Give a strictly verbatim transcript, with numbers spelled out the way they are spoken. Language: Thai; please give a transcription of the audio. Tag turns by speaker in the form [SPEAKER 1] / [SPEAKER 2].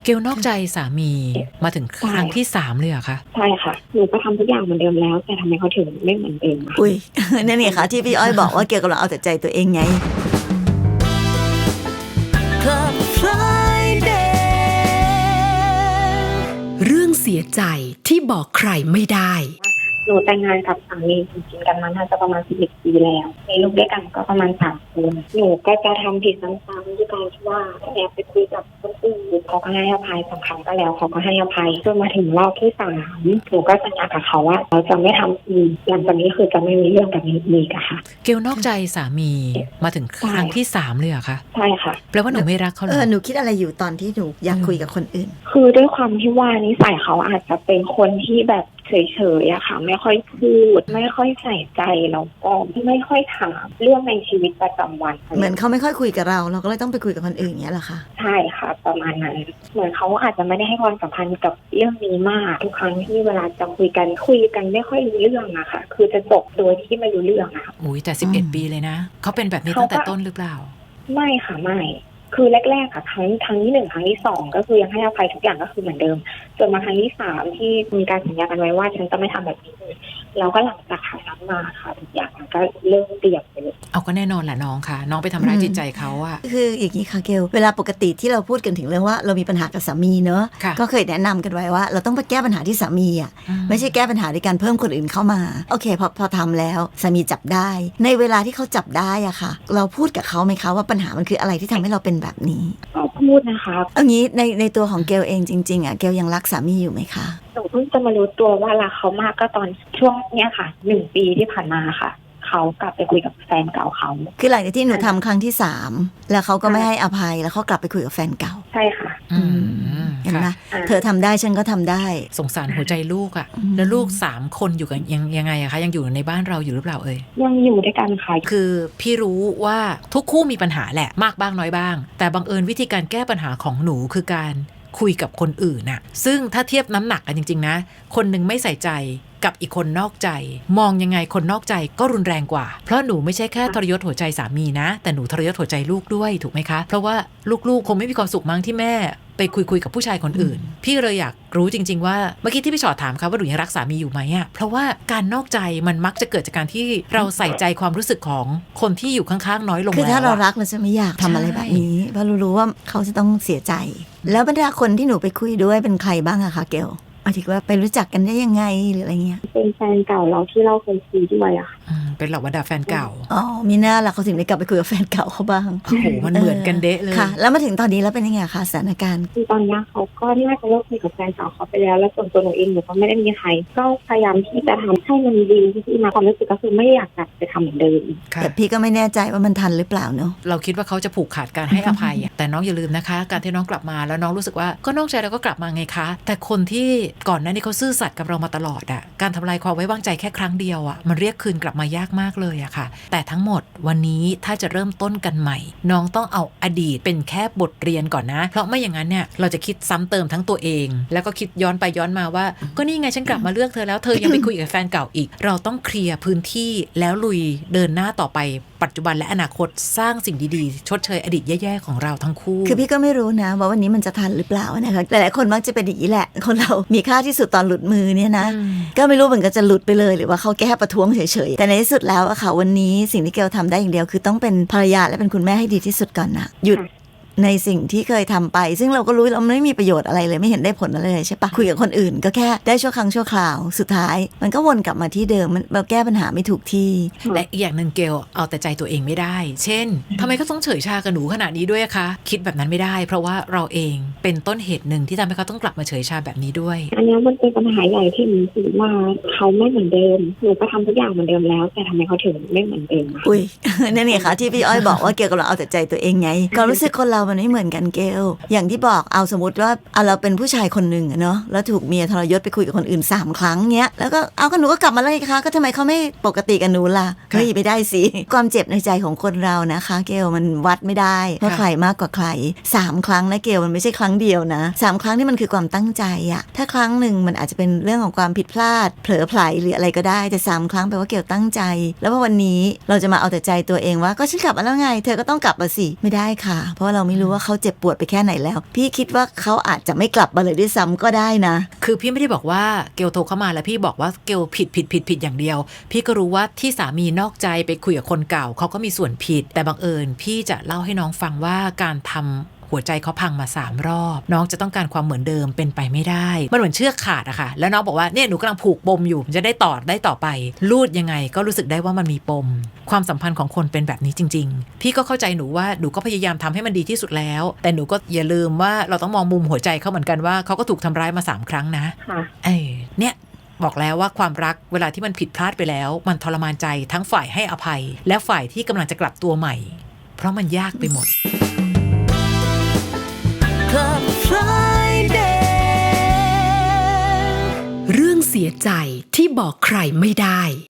[SPEAKER 1] เกลนอกใจสามีมาถึงครั้งที่สามเลยเหรอคะ
[SPEAKER 2] ใช่ค่ะหนูก็ทำทุกอย่างเหมือนเดิมแล้วแต่ทำไมเขาถึงไม่เหมือนเดิมคะ
[SPEAKER 3] อุ้ย นั่นนี่ค่ะที่พี่อ้อยบอกว่าเกลกำลังเอาแต่ใจตัวเองไง Club Friday
[SPEAKER 4] เรื่องเสียใจที่บอกใครไม่ได้
[SPEAKER 2] หนูแต่งงานกับสามีจริงๆกันมาน่าจะประมาณสิบเอ็ดปีแล้วมีลูกด้วยกันก็ประมาณสามคนหนูก็จะทำผิดซ้ำๆด้วยการที่ว่าแอบไปคุยกับคนอื่นเขาก็ให้อภัยสองครั้งก็แล้วเขาก็ให้อภัยจนมาถึงรอบที่สามหนูก็สัญญากับเขาว่าเราจะไม่ทำอีกหลังจากนี้คือจะไม่มีเรื่องแบบนี้อีกอะค่ะ
[SPEAKER 1] เกลนอกใจสามีมาถึงครั้งที่สามเลยเหรอคะ
[SPEAKER 2] ใช่ค่ะ
[SPEAKER 1] แปลว่าหนูไม่รักเขาเหรอ
[SPEAKER 3] เออหนูคิดอะไรอยู่ตอนที่หนูอยากคุยกับคนอื่น
[SPEAKER 2] คือด้วยความที่ว่านิสัยเขาอาจจะเป็นคนที่แบบเฉยๆอะค่ะไม่ค่อยพูดไม่ค่อยใส่ใจแล้วก็ไม่ค่อยถามเรื่องในชีวิตประจำวัน
[SPEAKER 3] เหมือนเขาไม่ค่อยคุยกับเราเราก็เลยต้องไปคุยกับคนอื่นอย่างเงี้ยเหรอคะ
[SPEAKER 2] ใช่ค่ะประมาณนั้นเหมือนเขาอาจจะไม่ได้ให้ความสำคัญกับเรื่องนี้มากทุกครั้งที่เวลาจะคุยกันคุยกันไม่ค่อยรู้เรื่องอะค่ะคือจะจบโดยที่ไม่รู้เรื่องอะค่ะ
[SPEAKER 1] อุ้ยแต่สิบเอ็ดปีเลยนะเขาเป็นแบบนี้ตั้งแต่ต้นหรือเปล่า
[SPEAKER 2] ไม่ค่ะไม่คือแรกๆค่ะครั้งครั้งที่หนึ่งครั้งที่สองก็คือยังให้อภัยทุกอย่างก็คือเหมือนเดิมจนมาครั้งที่สามที่มีการสัญญากันไว้ว่าฉันจะไม่ทำแบบนี้เลยแล้วก็หลังจากข่าวนั้นมาค่ะทุกอย่างมันก็เริ่มเปลี่ยนไปเลย
[SPEAKER 1] เอาก็แน่นอนแหละน้องค่ะน้องไปทำร้ายจิตใจเขาอะ
[SPEAKER 3] คืออย่างนี้ค่ะเกลเวลาปกติที่เราพูดกันถึงเรื่องว่าเรามีปัญหากับสามีเนอะก็เคยแนะนำกันไว้ว่าเราต้องไปแก้ปัญหาที่สามีอะไม่ใช่แก้ปัญหาด้วยการเพิ่มคนอื่นเข้ามาโอเคพอพอทำแล้วสามีจับได้ในเวลาที่เขาจับได้อะค่ะเราพูดกับเขาไหมคะว่าปัญหามันคืออะไรที่ทำให้เราเป็นแบบนี้
[SPEAKER 2] ก็พูดนะคะ
[SPEAKER 3] เอางี้ในในตัวของเกลเองจริงๆอะเกลยังรักสามีอยู่ไหมคะ
[SPEAKER 2] หนูเพิ่งจะมารู้ตัวว่ารักเขามากก็ตอนช่วงเนี้ยค่ะหนึ่งปีที่ผ่านมาค่ะเขากลับไปคุยกับแฟนเก่าเขา
[SPEAKER 3] คือหลังจากที่หนูทำครั้งที่สามแล้วเขาก็ไม่ให้อภัยแล้วเขากลับไปคุยกับแฟนเก่า
[SPEAKER 2] ใช่ค่ะ
[SPEAKER 1] อืม
[SPEAKER 3] เห็นไหมเธอทำได้ฉันก็ทำได้
[SPEAKER 1] สงสารหัวใจลูกอะแล้วลูกสามคนอยู่กันยังยังไงอะคะยังอยู่ในบ้านเราอยู่หรือเปล่าเอ่ย
[SPEAKER 2] ยังอยู่ด้วยกันค่ะ
[SPEAKER 1] คือพี่รู้ว่าทุกคู่มีปัญหาแหละมากบ้างน้อยบ้างแต่บังเอิญวิธีการแก้ปัญหาของหนูคือการคุยกับคนอื่นน่ะซึ่งถ้าเทียบน้ำหนักกันจริงๆนะคนหนึ่งไม่ใส่ใจกับอีกคนนอกใจมองยังไงคนนอกใจก็รุนแรงกว่าเพราะหนูไม่ใช่แค่ทรยศหัวใจสามีนะแต่หนูทรยศหัวใจลูกด้วยถูกไหมคะเพราะว่าลูกๆคงไม่มีความสุขมั้งที่แม่ไปคุยคุยกับผู้ชายคนอื่นพี่เลยอยากรู้จริงๆว่าเมื่อกี้ที่พี่ชอดถามค่ะว่าหนูยังรักสามีอยู่ไหมอ่ะเพราะว่าการนอกใจมันมักจะเกิดจากการที่เราใส่ใจความรู้สึกของคนที่อยู่ข้างๆน้อยลง
[SPEAKER 3] คือถ้าเรารักเราจะไม่อยากทำอะไรแบบนี้เพราะเรารู้ว่าเขาจะต้องเสียใจแล้วบรรดาคนที่หนูไปคุยด้วยเป็นใครบ้างอะคะเกลหมายถึงว่าไปรู้จักกันได้ยังไงหรืออะไรเงี้ย
[SPEAKER 2] เป็นแฟนเก่าเราที่เราเคยคุยด้วยอะค่ะ
[SPEAKER 1] เป็นเหล่าบรรดาแฟนเก่า
[SPEAKER 3] อ๋อมีหน้าล่ะเขาถึงได้กลับไปคุยกับแฟนเก่าเขาบ้าง
[SPEAKER 1] โอ้โหมันเหมือนกันเดะเลย
[SPEAKER 3] ค่ะแล้วมาถึงตอนนี้แล้วเป็นยังไงคะสถานการณ์
[SPEAKER 2] คือตอนนี้เขาก็น่าจะเลิกคุยกับแฟนเก่าเขาไปแล้วแล้วส่วนตัวหนูเองหนูก็ไม่ได้มีใครก็พยายามที่จะทำให้มันดีที่มาความรู้สึกก็คือไม่อยากกลับไปทำเหมือนเดิม
[SPEAKER 3] แต่พี่ก็ไม่แน่ใจว่ามันทันหรือเปล่าเนาะ
[SPEAKER 1] เราคิดว่าเขาจะผูกขาดการให้อภัยแต่น้องอย่าลืมนะคะการที่น้องกลับมาแล้วน้องรู้สึกว่าก็นอกใจแล้วก็กลับมาไงคะแต่คนที่ก่อนหน้านี้เขาซื่อสัตย์กับเรามาตลอดอะการทำลายความไว้วางใจแค่ครั้งเดียวอะมันเรียกคืนกลับมายากมากเลยอะค่ะแต่ทั้งหมดวันนี้ถ้าจะเริ่มต้นกันใหม่น้องต้องเอาอดีตเป็นแค่บทเรียนก่อนนะเพราะไม่อย่างนั้นเนี่ยเราจะคิดซ้ำเติมทั้งตัวเองแล้วก็คิดย้อนไปย้อนมาว่าก็นี่ไงฉันกลับมาเลือกเธอแล้วเธอยังไปคุยกับแฟนเก่าอีกเราต้องเคลียร์พื้นที่แล้วลุยเดินหน้าต่อไปปัจจุบันและอนาคตสร้างสิ่งดีๆชดเชยอดีตแย่ๆของเราทั้งคู่
[SPEAKER 3] คือพี่ก็ไม่รู้นะว่าวันนี้มันจะทันหรือเปล่านะคะหลายๆคนมักจะเป็นอย่างนี้แหละคนเรามีค่าที่สุดตอนหลุดมือเนี่ยนะก็ไม่รู้เหมือนกันจะหลุดไปเลยหรือว่าเขาแก้ประท้วงเฉยๆแต่ในที่สุดแล้วอะค่ะวันนี้สิ่งที่เกลทำได้อย่างเดียวคือต้องเป็นภรรยาและเป็นคุณแม่ให้ดีที่สุดก่อนนะหยุดในสิ่งที่เคยทำไปซึ่งเราก็รู้เราไม่มีประโยชน์อะไรเลยไม่เห็นได้ผลอะไรเลยใช่ปะคุยกับคนอื่นก็แค่ได้ชั่วครั้งชั่วคราวสุดท้ายมันก็วนกลับมาที่เดิมมันเราแก้ปัญหาไม่ถูกที่
[SPEAKER 1] และอีกอย่างหนึ่งเกลเอาแต่ใจตัวเองไม่ได้เช่นทำไมเขาต้องเฉยชากับหนูขนาดนี้ด้วยคะคิดแบบนั้นไม่ได้เพราะว่าเราเองเป็นต้นเหตุหนึ่งที่ทำให้เขาต้องกลับมาเฉยชาแบบนี้ด้วย
[SPEAKER 2] อันนี้มันเป็นปัญหาใหญ่ที่หนูคิดว่าเขาไม่เหมือนเดิมหนูก็ทำทุกอย่างเหมือนเดิมแล้วแต่ทำไมเขาถึงไม่เหมือนเดิม
[SPEAKER 3] อุ้ยนั่นนี่ค่ะที่พี่อ้อยบอกว่าเกลกำลังเอาแต่ใจตัวเองไงความรู้สึกคนเรามันไม่เหมือนกันเกลอย่างที่บอกเอาสมมติว่าเอาเราเป็นผู้ชายคนหนึ่งเนาะแล้วถูกเมียทรยศไปคุยกับคนอื่นสามครั้งเงี้ยแล้วก็เอาก็หนูก็กลับมาเลยค่ะก็ทำไมเขาไม่ปกติกับหนูล่ะเฮ้ยไม่ได้สิความเจ็บในใจของคนเรานะคะเกลมันวัดไม่ได้ว่าใครมากกว่าใครสามครั้งนะเกลมันไม่ใช่ครั้งเดียวนะสามครั้งนี่มันคือความตั้งใจอะถ้าครั้งหนึ่งมันอาจจะเป็นเรื่องของความผิดพลาดเผลอไผลหรืออะไรก็ได้แต่สามครั้งแปลว่าเกลตั้งใจแล้วพอวันนี้เราจะมาเอาแต่ใจตัวเองว่าก็ฉันกลับมาแล้วไงเธอก็ต้องกลับมาสิไม่ได้ค่ะเพราะว่าเราไม่รู้ว่าเขาเจ็บปวดไปแค่ไหนแล้วพี่คิดว่าเขาอาจจะไม่กลับมาเลยด้วยซ้ำก็ได้นะ
[SPEAKER 1] คือพี่ไม่ได้บอกว่าเกลโทรเข้ามาแล้วพี่บอกว่าเกลผิดผิดผิดผิดอย่างเดียวพี่ก็รู้ว่าที่สามีนอกใจไปคุยกับคนเก่าเขาก็มีส่วนผิดแต่บังเอิญพี่จะเล่าให้น้องฟังว่าการทำหัวใจเขาพังมาสามรอบน้องจะต้องการความเหมือนเดิมเป็นไปไม่ได้มันเหมือนเชือกขาดอะค่ะแล้วน้องบอกว่าเนี่ยหนูกำลังผูกปมอยู่จะได้ต่อได้ต่อไปลูดยังไงก็รู้สึกได้ว่ามันมีปมความสัมพันธ์ของคนเป็นแบบนี้จริงๆพี่ก็เข้าใจหนูว่าหนูก็พยายามทำให้มันดีที่สุดแล้วแต่หนูก็อย่าลืมว่าเราต้องมองมุมหัวใจเขาเหมือนกันว่าเขาก็ถูกทำร้ายมาสามครั้งนะเออเนี่ยบอกแล้วว่าความรักเวลาที่มันผิดพลาดไปแล้วมันทรมานใจทั้งฝ่ายให้อภัยและฝ่ายที่กำลังจะกลับตัวใหม่เพราะมันยากไปหมด
[SPEAKER 4] Club Friday เรื่องเสียใจที่บอกใครไม่ได้